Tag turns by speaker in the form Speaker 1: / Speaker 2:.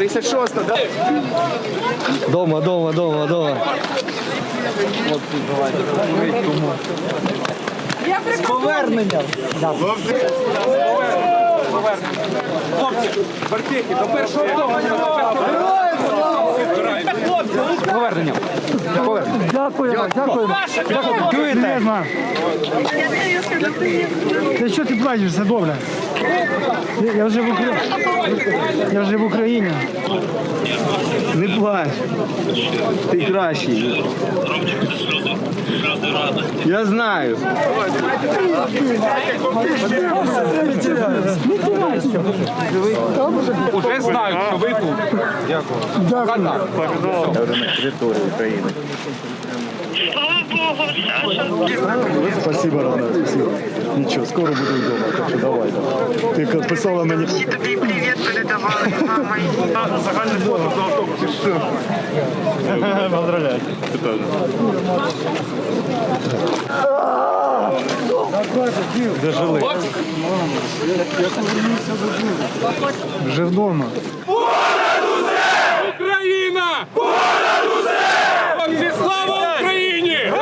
Speaker 1: 36-та, да?
Speaker 2: Дома.
Speaker 1: З поверненням! Хлопці, бартехи, до першого того. З поверненням.
Speaker 3: Дякую.
Speaker 1: Чуєте?
Speaker 3: Ти що ти плачеш? Все добре. Я вже в Україні.
Speaker 2: Не плач. Ти кращий. Я знаю.
Speaker 1: Уже знають, що ви тут. Дякую.
Speaker 4: Я вже на території України.
Speaker 5: Слава Богу, Саша.
Speaker 4: Спасибо, Рана, спасибо. Нічого, скоро буду вдома, так що давай. Ти писала мені.
Speaker 5: Всі тобі привіт передавали з мамою.
Speaker 4: Загальне фото до автобусі. Що? Поздравляю. Де жили?
Speaker 3: Вже вдома.
Speaker 6: Україна! Понад усе! Хлопці, слава Україні!